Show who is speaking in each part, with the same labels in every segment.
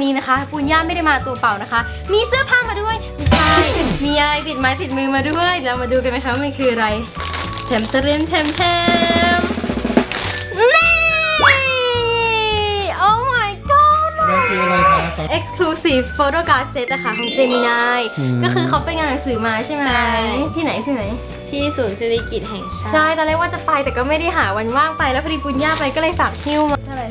Speaker 1: นี้นะคะปุญญาไม่ได้มาตัวเปล่านะคะมีเสื้อผ้ามาด้วยไม่ใช่มีอะไรติดไม้ติดมือมาด้วยเรามาดูกันไหมคะว่ามันคืออะไรแถมเตรียมแถมนี่ Oh my god
Speaker 2: มันคืออะไรคะ
Speaker 1: Exclusive Photo Card Set นะคะของ Gemini ก็คือเขาไปงานหนังสือมาใช่ไหมที่ไหน
Speaker 3: ที่ศูนย์เศรษฐกิจแห่งชาติ
Speaker 1: ใช่ตอนแรกว่าจะไปแต่ก็ไม่ได้หาวันว่างไปแล้วพอดีปุญญาไปก็เลยฝากหิ้วมาเท่าไหร่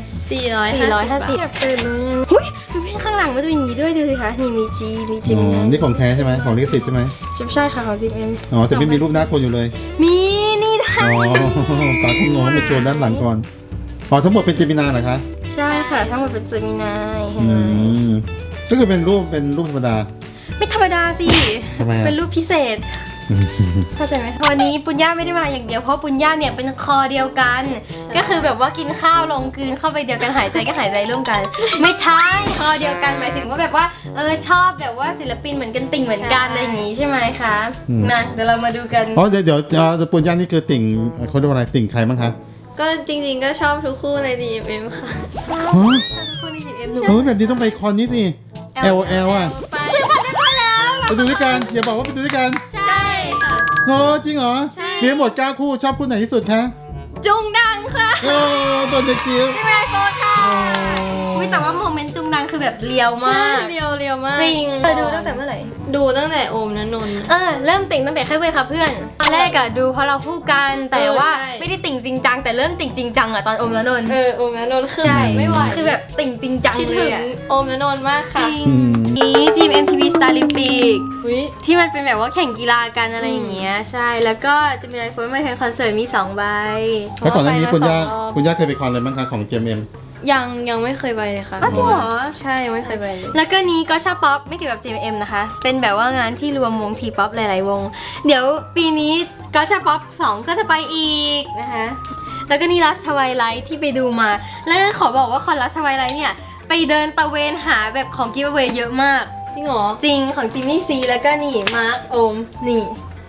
Speaker 1: 450อยากตื่นเลยหุ้ยดูเพลงข้างหลังมันจะมีอย่างนี้ด้วยดูสิคะนี่มี G มี G
Speaker 2: นี่ของแท้ใช่ไหมของลิขสิทธิ์ใช่ไหม
Speaker 1: ใช่ค่ะของ GM
Speaker 2: อ๋อแต่ไม่มีรูปหน้าคนอยู่เลย
Speaker 1: มีนี่ได้
Speaker 2: อ๋อตาคุณน้องไปโชว์ด้านหลังก่อนอ๋อทั้งหมดเป็นเจมินาเหรอคะ
Speaker 1: ใช่ค่ะทั้งหมดเป็น Gemini เห็น
Speaker 2: อื
Speaker 1: ไหม
Speaker 2: มก็คือเป็นรูปธรรมดา
Speaker 1: ไม่ธรรมดาสิ
Speaker 2: ทำไมอะ
Speaker 1: เป็นรูปพิเศษเข้าใจไหมวันนี้ปุญญาไม่ได้มาอย่างเดียวเพราะปุญญาเนี่ยเป็นคอเดียวกันก็คือแบบว่ากินข้าวลงกลืนเข้าไปเดียวกันหายใจก็หายใจร่วมกัน ไม่ใช่คอเดียวกันหมายถึงว่าแบบว่าชอบแบบว่าศิลปินเหมือนกันติ่งเหมือนกันอะไรอย่างงี้ใช่ไหมคะมาเดี๋ยวเรามาดูกัน
Speaker 2: อ๋อเดี๋ยวปุญญานี่คือติ่งเขาเรียกว่าอะไรติ่งใครบ้างคะ
Speaker 3: ก็จริงๆก็ชอบทุกคู่ใน DMM ค่ะ
Speaker 2: ฮะ
Speaker 1: คนใน GM
Speaker 2: เฮ้ยแบบนี้ต้องไปคอนนี้สิ LOL อ่ะ
Speaker 3: ไป
Speaker 2: ไปดูด้วยกันอย่าบอกว่าไปดูด้วยกัน
Speaker 3: ใช่ค่ะ
Speaker 2: โอ้จริงเหรอ
Speaker 3: ใช่
Speaker 2: มีทั้งหมด9คู่ชอบคู่ไหนที่สุดคะ
Speaker 3: จุงดังค่ะ
Speaker 2: โอ้โดนเด็กจิ๋ว
Speaker 3: ไม่ได้โฟนค่ะ
Speaker 1: อุ๊ยแต่ว่าโมเมนต์จุงดังคือแบบเลียวมาก
Speaker 3: เรียวมาก
Speaker 1: จริงดูตั้งแต่เมื่อไหร่
Speaker 3: ดูตั้งแต่โอมนนนท์
Speaker 1: เริ่มติ่งตั้งแต่แค่เว้ยค่ะเพื่อนตอนแรกอะดูเพราะเราคู่กันแต่ว่า
Speaker 3: ใช่
Speaker 1: ไม่ได้ติ่งจริงจังแต่เริ่มติ่งจริงจังอะตอนอมแล้วนนท์
Speaker 3: โอมนนท์คือ
Speaker 1: ใช่
Speaker 3: ไม่ไหว
Speaker 1: คือแบบติ่งจริงจัง
Speaker 3: คิด
Speaker 1: เล
Speaker 3: ถึ
Speaker 1: ย
Speaker 3: ง
Speaker 1: อะ
Speaker 3: โอมนนท์มาก
Speaker 1: จ
Speaker 3: ค่ะ
Speaker 1: ริงนี้ทีม MTV Starlympic
Speaker 3: อุ๊ย
Speaker 1: ที่มันเป็นแบบว่าแข่งกีฬากันอะไรอย่างเงี้ยใช่แล้วก็จะมีไลฟ์โฟนมาแข่งคอนเสิร์ตมี2 ใบ
Speaker 2: แล้วก่อนหน้านี้
Speaker 3: เพ
Speaker 2: คุ
Speaker 3: ราะ
Speaker 2: ณ
Speaker 3: ว่า
Speaker 2: ย่า
Speaker 3: ไปมา2 รอบ
Speaker 2: คุณย่าเคยไปคอนอะไรบ้างคะของ GMM
Speaker 3: ยังไม่เคยไปเลยค่ะ
Speaker 1: อ้าวจริงเหรอ
Speaker 3: ใช่ยังไม่เคยไปเลย
Speaker 1: แล้วก็นี้ก็ชอบป๊อปไม่เกี่ยวกับ GMM นะคะ เป็นแบบว่างานที่รวมวงทีป๊อปหลายๆวง เดี๋ยวปีนี้ก็ชอบป๊อป2ก็จะไปอีกนะคะ แล้วก็นี่ลัสทวายไลท์ที่ไปดูมา แล้วขอบอกว่าคอนลัสทวายไลท์เนี่ยไปเดินตะเวนหาแบบของกิฟต์เวย์เยอะมาก
Speaker 3: จริงเหรอ
Speaker 1: จริงของจิมมี่ซีแล้วก็นี่มาร์คโอมนี่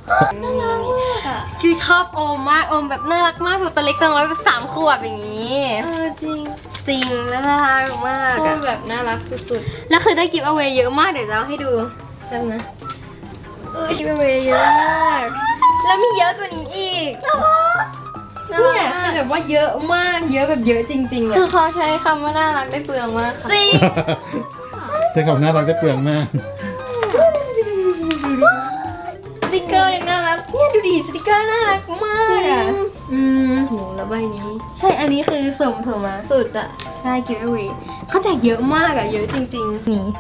Speaker 1: คือชอบโอมมากโอมแบบน่ารักมากแบบตัวเล็กตัวน้อยแบบ3 ขวบอย่างนี้
Speaker 3: จริง
Speaker 1: จริงแล้วน่ารักมาก
Speaker 3: โค
Speaker 1: อะ
Speaker 3: ตรแบบน่ารักสุด
Speaker 1: แล้วคือได้กิฟต์เอาไว้เยอะมากเดี๋ยวจะเอาให้ดูแล้วนะกิฟต์เอาไว้เยอะมากแล้วมีเยอะกว่านี้อีก
Speaker 3: ๆน่า
Speaker 1: เนี่ย
Speaker 3: รัก
Speaker 1: คือแบบว่าเยอะมากเยอะแบบเยอะจริงๆ
Speaker 3: คื
Speaker 1: อะ
Speaker 3: อเขาใช้คำว่าน่ารักได้เปลืองมากค่ะ
Speaker 1: จริง
Speaker 2: ใช้คำน่ารักได้เปลืองมาก
Speaker 1: สติกเกอร์ยังน่ารักเนี่ยดูดิสติกเกอร์น่ารักมากอะอืม
Speaker 3: โหแล้วใบนี้
Speaker 1: ใช่อันนี้คือสุ่มถูกไหม
Speaker 3: สุดอะ
Speaker 1: ใช่กิฟต์เอาไว้เขาแจกเยอะมากอะเยอะจริงๆนี่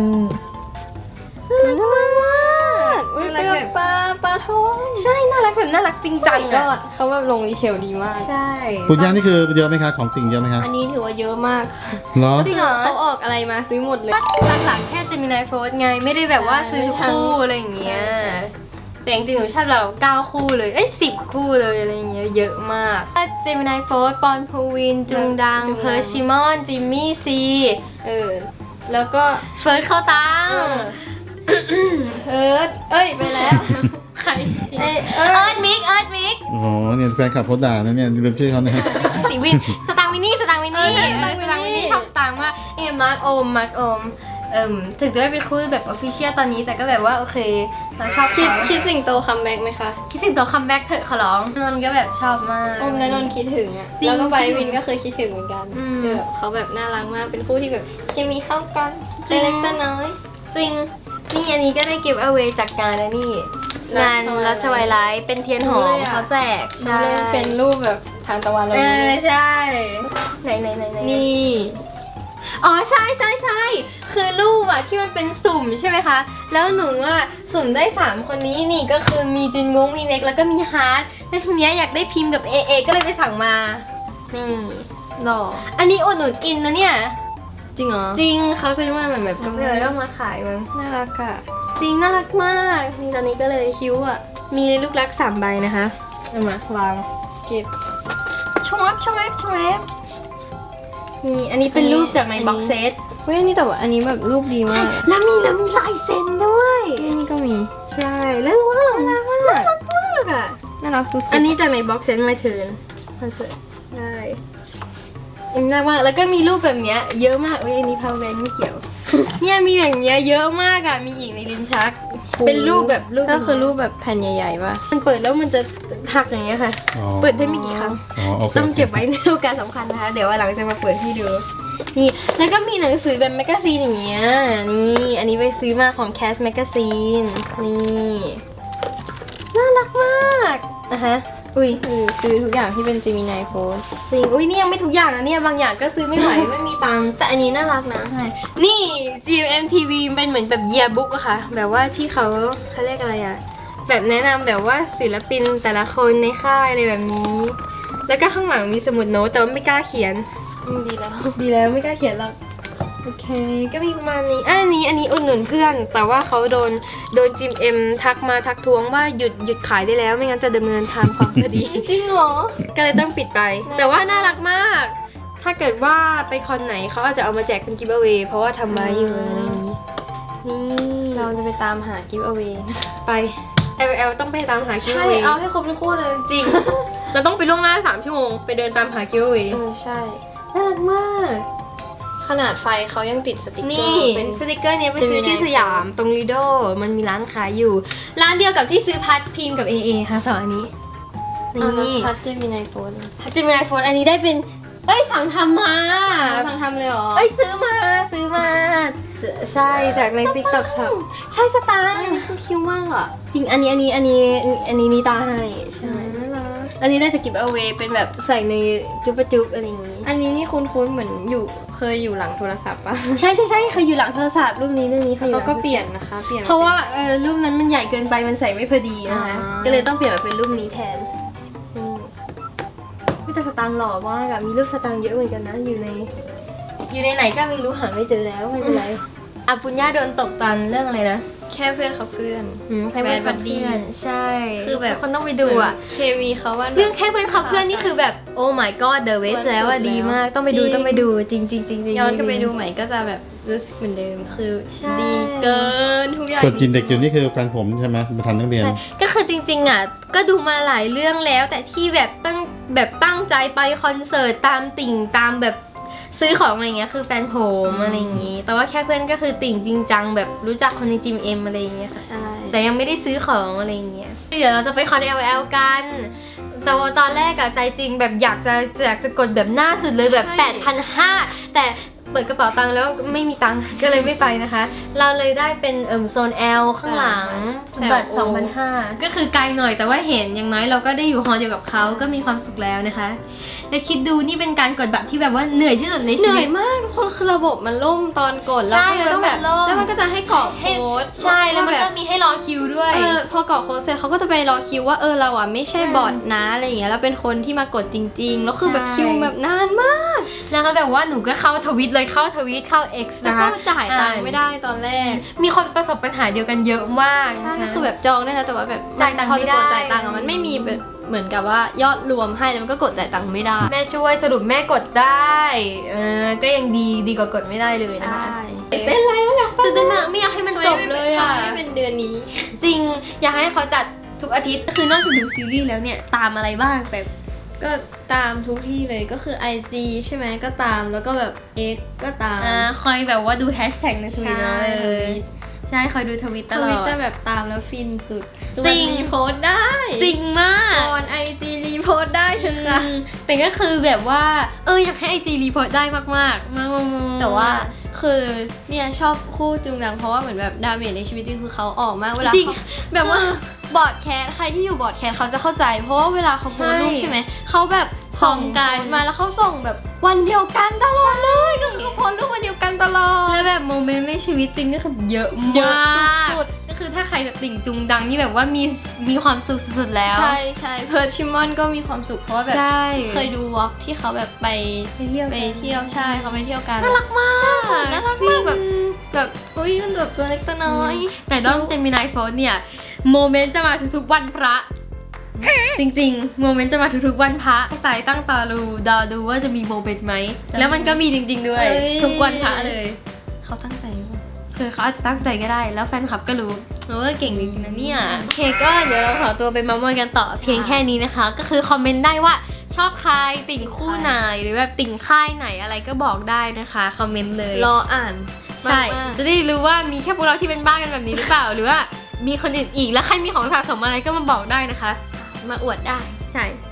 Speaker 1: น่ารักมาก
Speaker 3: อุ๊ย
Speaker 1: น่ารัก
Speaker 3: เป็น
Speaker 1: แบบ
Speaker 3: ปลาทอง
Speaker 1: ใช่น่ารักแบบน่ารักจริงจัง
Speaker 3: ก็
Speaker 1: อะ
Speaker 3: เขาแบบลงดีเทลดีมาก
Speaker 1: ใช่
Speaker 2: คุณย่านี่คือเยอะไหมคะของติ่งเยอะไหมคะ
Speaker 3: อันนี้ถือว่าเยอะมากค่ะ
Speaker 2: เหรอ
Speaker 1: จริงเหรอ
Speaker 3: เขาออกอะไรมาซื้อหมดเลย
Speaker 1: หลักๆแค่จะมีไนโฟนไงไม่ได้แบบว่าซื้อทุกคู่อะไรอย่างเงี้ยแต่จริงๆหนูชอบเรา9 คู่เลย10 คู่เลยอะไรอย่างเงี้ยเยอะมากเจมินายโฟร์ปอนพูวินจุงดังเพอร์ชิมอนจิมมี่ซี
Speaker 3: แล้วก็
Speaker 1: เฟิร์สเข้าตัง
Speaker 3: เอิร์ธไปแล้ว
Speaker 1: ใคร
Speaker 3: เอิร์
Speaker 1: เอิร์ดมิก
Speaker 2: โอ้โหเนี่ยแฟนคลับเขาด่านะเนี่ยลืมชื่อเขาเนี่ย
Speaker 1: สีวินสตางค์วินนี่ชอบสตางค์วินว่ามาร์คโอมถึงจะไม่เป็นคู่แบบออฟฟิเชียลตอนนี้แต่ก็แบบว่าโอเคเราชอบ
Speaker 3: คิดสิ่งโตคัมแบ็กไหมคะ
Speaker 1: คิดสิ่งตัวคัมแบ็กเถอะขอร้องนนท์ก็แบบชอบมาก
Speaker 3: โอมและนนท์คิดถึงอะ
Speaker 1: จริง
Speaker 3: แล้วก็ไบร์ทวินก็เคยคิดถึงเหมือนกัน
Speaker 1: อืม
Speaker 3: คือแบบเขาแบบน่ารักมากเป็นคู่ที่แบบเคมีเข้ากันเล็กแต่น้อย
Speaker 1: จริงนี่อันนี้ก็ได้เก็บเอาไว้จากงานนะนี่งานลัสไวไลท์เป็นเทียนหอมเขาแจก
Speaker 3: ใช่เป็นรูปแบบทานตะวันเลย
Speaker 1: ใช่ไหน
Speaker 3: นี่
Speaker 1: อ๋อใช่คือรูปอะที่มันเป็นสุ่มใช่ไหมคะแล้วหนูอะสุ่มได้3 คนนี้นี่ก็คือมีจินวงมีเน็กแล้วก็มีฮาร์ดแล้วทีเนี้ยอยากได้พิมพ์กับเอก็เลยไปสั่งมานี่
Speaker 3: หล่อ
Speaker 1: อันนี้อุดหนุนอินนะเนี่ย
Speaker 3: จริงเหรอ
Speaker 1: จริงเขาซื้อมาแบบก็เลยต้องมาขายมั้ง
Speaker 3: น่ารักอะ
Speaker 1: จริงน่ารักมากตอนนี้ก็เลย
Speaker 3: คิ้วอะ
Speaker 1: มีลูกรัก3 ใบนะคะเอามาวาง
Speaker 3: เก็บ
Speaker 1: ชวบนี่อันนี้เป็นรูปจากในบ็อกเซต
Speaker 3: เฮ้ยอันนี้แต่ว่าอันนี้แบบรูปดีมาก
Speaker 1: แล้วมีลายเซ็นด้วย
Speaker 3: นี่ก็มี
Speaker 1: ใช่แล้วว่าน่ารักมากอ่ะ
Speaker 3: น่ารักสุดๆ
Speaker 1: อันนี้จากในบ็อกเซตมาเทิร์นคอนเสิร์ตใช่อันนี้น่ารักมากแล้วก็มีรูปแบบเนี้ยเยอะมากเว้ยอันนี้พาวแวนไม่เกี่ยวเนี่ยมีอย่างเงี้ยเยอะมากอะมีอีกในลิ้นชัก เป็นรูปแบบรูป
Speaker 3: ก็คือรูปแบบแผ่นใหญ่ๆป่ะ
Speaker 1: มันเปิดแล้วมันจะหักอย่างเงี้ยค่ะ
Speaker 2: อ๋อ
Speaker 1: เปิดได้ไม่กี่ครั้ง
Speaker 2: อ๋อโอเค
Speaker 1: ต้องเก็บไว้ในโอกาสสำคัญนะคะ เดี๋ยววันหลังจะมาเปิดให้ดู นี่ แล้วก็มีหนังสือแบบแมกกาซีนอย่างเงี้ย นี่ อันนี้ไปซื้อมาของ Cass Magazine นี่ น่ารักมากอ่ะฮะ อุ้ย
Speaker 3: คือทุกอย่างที่เป็น Gemini Fold
Speaker 1: จริง อุ้ยนี่ยังไม่ทุกอย่างนะเนี่ยบางอย่างก็ซื้อไม่ไหว ไม่มีตังค์
Speaker 3: แต่อันนี้น่ารักนะ
Speaker 1: นี่ GMMTV เป็นเหมือนแบบ yearbook อะค่ะ แบบว่าที่เขาเรียกอะไรอะแบบแนะนำแบบว่าศิลปินแต่ละคนในค่ายอะไรแบบนี้ แล้วก็ข้างหลังมีสมุดโน้ตแต่ว่าไม่กล้าเขียน
Speaker 3: ดีแล้ว
Speaker 1: ดีแล้วไม่กล้าเขียนหรอก โอเค ก็มีประมาณนี้อันนี้อุดหนุนเพื่อน แต่ว่าเขาโดนจิมเอ็มทักท้วงว่าหยุดขายได้แล้วไม่งั้นจะดำเนินทางความคดี
Speaker 3: จริงเหรอ
Speaker 1: ก็เลยต้องปิดไป แต่ว่าน่ารักมาก ถ้าเกิดว่าไปคอนไหนเขาอาจจะเอามาแจกเป็นกิฟต์เอา a y เพราะว่าทำมาอยู่อะไรอย่างนี้ นี่
Speaker 3: เราจะไปตามหา Giveaway
Speaker 1: ไป LL ต้องไปตามหากิฟต์
Speaker 3: ใช่
Speaker 1: เอา a y
Speaker 3: เอาให้ครบทุกคู่เลย
Speaker 1: จริง เราต้องไปล่วงหน้า3 ชั่วโมงไปเดินตามหากิฟต์เอา a y
Speaker 3: ใช่
Speaker 1: น่ารักมาก
Speaker 3: ขนาดไฟเขายังติดสติกเกอ
Speaker 1: นี่
Speaker 3: ร์เป็น
Speaker 1: สติกเกอร์เนี้ยไปซื้อ
Speaker 3: Gemini
Speaker 1: ที่สยามตรงลีโดมันมีร้านขายอยู่ ร้านเดียวกับที่ซื้อพัดพิมพ์กับ AA ค่ะสองอันนี้ นี่
Speaker 3: พัด Gemini Fold
Speaker 1: พัดจิมินายโฟนอันนี้ได้เป็น สั่งทำมา
Speaker 3: สั่งทำเลยเหรอ
Speaker 1: ซื้อมาใช่จากใน TikTok Shop ใช่สตาร์
Speaker 3: อันนี้คือคิวมากอ่ะ
Speaker 1: จริงอันนี้นิตาให้ใช่
Speaker 3: น่ารัก
Speaker 1: อันนี้ได้จะกิฟต์เอาไว้เป็นแบบใส่ในจุ๊บจุ๊บอะไรอย่างนี้
Speaker 3: อันนี้นี่คุ้นๆเหมือนเคยอยู่หลังโทรศัพท์ป่ะ
Speaker 1: ใช่เคยอยู่หลังโทรศัพท์รูปนี้เคยอยู่ห
Speaker 3: เขา
Speaker 1: ลัง
Speaker 3: ก็เปลี่ยนนะคะ เปลี่ยน
Speaker 1: เพราะว่ารูปนั้นมันใหญ่เกินไปมันใส่ไม่พอดีนะคะ
Speaker 3: อ่า
Speaker 1: ก็เลยต้องเปลี่ยนมาเป็นรูปนี้แทนนี่แต่สตางค์หล่อมากอะมีรูปสตางค์เยอะเหมือนกันนะอยู่ในไหนก็ไม่รู้หาไม่เจอแล้วไม่เป็นไรอ่ะปุญญาโดนตกตอนเรื่องอะไรนะ
Speaker 3: แค่เพื่อนเขาเพื่อน
Speaker 1: ใครเป็นคนเพื่อนใช่
Speaker 3: คือแบบ
Speaker 1: ทุกคนต้องไปดูอะ
Speaker 3: เคมีเขาว่า
Speaker 1: เรื่องแค่เพื่อนเขาเพื่อนนี่คือแบบโอ้ my god the best แล้วอะดีมากต้องไปดู
Speaker 3: จริง
Speaker 1: ต้องไปดูจริง
Speaker 3: ย้อนกลับไปดูใหม่ก็จะแบบรู้สึกเหมือนเดิมคือ
Speaker 1: ใช่
Speaker 3: ดีเกินทุกอย่าง
Speaker 2: ส่วนจินเด็กอยู่นี่คือแฟนผมใช่ไหมมาทันนักเรียน
Speaker 1: ใช่ก็คือจริงๆอ่ะก็ดูมาหลายเรื่องแล้ว แต่ที่แบบตั้งใจไปคอนเสิร์ตตามติ่งตามแบบซื้อของอะไรเงี้ยคือแฟนผมอะไรอย่างงี้ แต่ว่าแค่เพื่อนก็คือติ่งจริงจังแบบรู้จักคนในจิมเอ็มอะไรอย่างเงี้ยค่ะ
Speaker 3: ใช่ แต่
Speaker 1: แต่ยังไม่ได้ซื้อของอะไรอย่างเงี้ยเดี๋ยวเราจะไปคอน LL กันแต่ว่าตอนแรกอะใจจริงแบบอยากจะกดแบบหน้าสุดเลยแบบ 8,500 แต่เปิดกระเป๋าตังค์แล้วไม่มีตังค์ ก็เลยไม่ไปนะคะ เราเลยได้เป็นโซน L ข้างหลังบัตร 2,500 ก็คือไกลหน่อยแต่ว่าเห็นอย่างน้อยเราก็ได้อยู่ฮอลเดียวกับเขาก็มีความสุขแล้วนะคะและคิดดูนี่เป็นการกดบัตรที่แบบว่าเหนื่อยที่สุดใน
Speaker 3: เห
Speaker 1: ชี
Speaker 3: นื่อ
Speaker 1: วิ
Speaker 3: ย
Speaker 1: ต
Speaker 3: มากทุกคนคือระบบมันล่มตอนกดแล้ว
Speaker 1: ใช่
Speaker 3: ก็เลยต้องแบบ
Speaker 1: มันล่ม
Speaker 3: แล้วมันก็จะให้กรอกโค้ด
Speaker 1: ใช่แล้วมันก็มีให้รอคิวด้วย
Speaker 3: พอกรอกโค้ดเสร็จเขาก็จะไปรอคิวว่าเราอ่ะไม่ใช่บอทนะอะไรอย่างเงี้ยแล้วเป็นคนที่มากดจริงๆแล้วคือแบบ
Speaker 1: ใช่
Speaker 3: คิวแบบนานมาก
Speaker 1: นะคะแบบว่าหนูก็เข้าทวิตเลยเข้า X
Speaker 3: แล้ว
Speaker 1: นะ
Speaker 3: ก็
Speaker 1: คะ
Speaker 3: จ่ายตังค์ไม่ได้ตอนแรก
Speaker 1: มีคนประสบปัญหาเดียวกันเยอะมาก
Speaker 3: ใช่
Speaker 1: นะ
Speaker 3: ก็
Speaker 1: คะ
Speaker 3: คือแบบจองได้แล้วแต่ว่าแบบ
Speaker 1: จ่ายตังค์
Speaker 3: พอ
Speaker 1: ไม่
Speaker 3: จะ
Speaker 1: ได้
Speaker 3: กดจ่ายตังค์อะมันไม่มีแบบเหมือนกับว่ายอดรวมให้แล้วมันก็กดจ่ายตังค์ไม่ได้
Speaker 1: แม่ช่วยสรุปแม่กดได้ก็ยังดีกว่ากดไม่ได้เลยนะคะเต้นอะไรวะอยากตื่นเต้นมากไม่อยากให้มันจบเลยอ่ะ
Speaker 3: ไม่เป็นเดือนนี้
Speaker 1: จริงอยากให้เขาจัดทุกอาทิตย์คือนอกจากดูซีรีส์แล้วเนี่ยตามอะไรบ้างแบบ
Speaker 3: ก็ตามทุกที่เลยก็คือ IG ใช่ไหมก็ตามแล้วก็แบบ X ก็ตาม
Speaker 1: คอยแบบว่าดูแฮชแท็กในทวิต
Speaker 3: ใช่
Speaker 1: เลยใช่คอยดูทวิตต
Speaker 3: ท
Speaker 1: ลอ
Speaker 3: วิต
Speaker 1: ด
Speaker 3: จะแบบตามแล้วฟินสุด
Speaker 1: จริง
Speaker 3: รีโพสต์ได้
Speaker 1: จริงมาก
Speaker 3: ก่อน IG รีโพสต์ได้เถอะค่ะ
Speaker 1: แต่ก็คือแบบว่าอยากให้ไอจีรีพอร์ตได้มากๆ
Speaker 3: แต่ว่าคือเนี่ยชอบคู่จุงดังเพราะว่าเหมือนแบบดาเมจในชีวิตจริงคือเขาออกมากเวลา
Speaker 1: จริง
Speaker 3: เขา
Speaker 1: แบบว่า
Speaker 3: บอร์ดแคสใครที่อยู่บอร์ดแคสเขาจะเข้าใจ เพราะว่าเวลาเขาโพสต์รูป
Speaker 1: ใช่
Speaker 3: ใช่ไหมเขาแบบ
Speaker 1: ส่งกัน
Speaker 3: โพสต์มาแล้วเขาส่งแบบวันเดียวกันตลอดเลยก็คือเขาโพสต์รูปวันเดียวกันตลอด
Speaker 1: แล้วแบบโมเมนต์ในชีวิตจริงก็คือเยอะ
Speaker 3: เยอะ
Speaker 1: มาก
Speaker 3: สุด
Speaker 1: ก็คือถ้าใครแบบติ่งจุงดังนี่แบบว่ามีความสุขสุดๆแล้ว
Speaker 3: ใช่ใช่เพิร์ดชิมอนก็มีความสุขเพราะว่าแบบ
Speaker 1: ใช่
Speaker 3: เคยดูวอล์กที่เขาแบบไป
Speaker 1: ไปเที่ยว
Speaker 3: ไปเที่ยวใช่เขาไปเที่ยวกัน
Speaker 1: น่ารักมาก
Speaker 3: น่ารักมากแบบอุ้ยมันแบบตัวเล็กตัวน้อย
Speaker 1: แต่ด้อมเจมินายโฟนเนี่ยโมเมนต์จะมาทุกๆวันพระ จริงๆโมเมนต์จะมาทุกๆวันพระตั้งตาดูว่าจะมีโมเมนต์ไหมแล้วมันก็มีจริงๆด้วย
Speaker 3: เอ้ย
Speaker 1: ทุกวันพระเลย
Speaker 3: เขาตั้งใจมาก
Speaker 1: คือเขาอาจจะตั้งใจก็ได้ แล้วแฟนคลับก็รู้ว่าเก่งจริงๆนะเนี่ยโอเคก็เดี๋ยวเราขอตัวไปเมามอยกันต่อเพียงแค่นี้นะคะ ก็คือคอมเมนต์ได้ว่าชอบใครติ่งคู่ไหนหรือแบบติ่งค่ายไหนอะไรก็บอกได้นะคะคอมเมนต์เลย
Speaker 3: รออ่าน
Speaker 1: ใช่
Speaker 3: มากๆ
Speaker 1: จะได้รู้ว่ามีแค่พวกเราที่เป็นบ้ากันแบบนี้หรือเปล่า หรือว่ามีคนอื่นอีกแล้วใครมีของสะสมอะไรก็มาบอกได้นะคะ
Speaker 3: มาอวดได้
Speaker 1: ใช่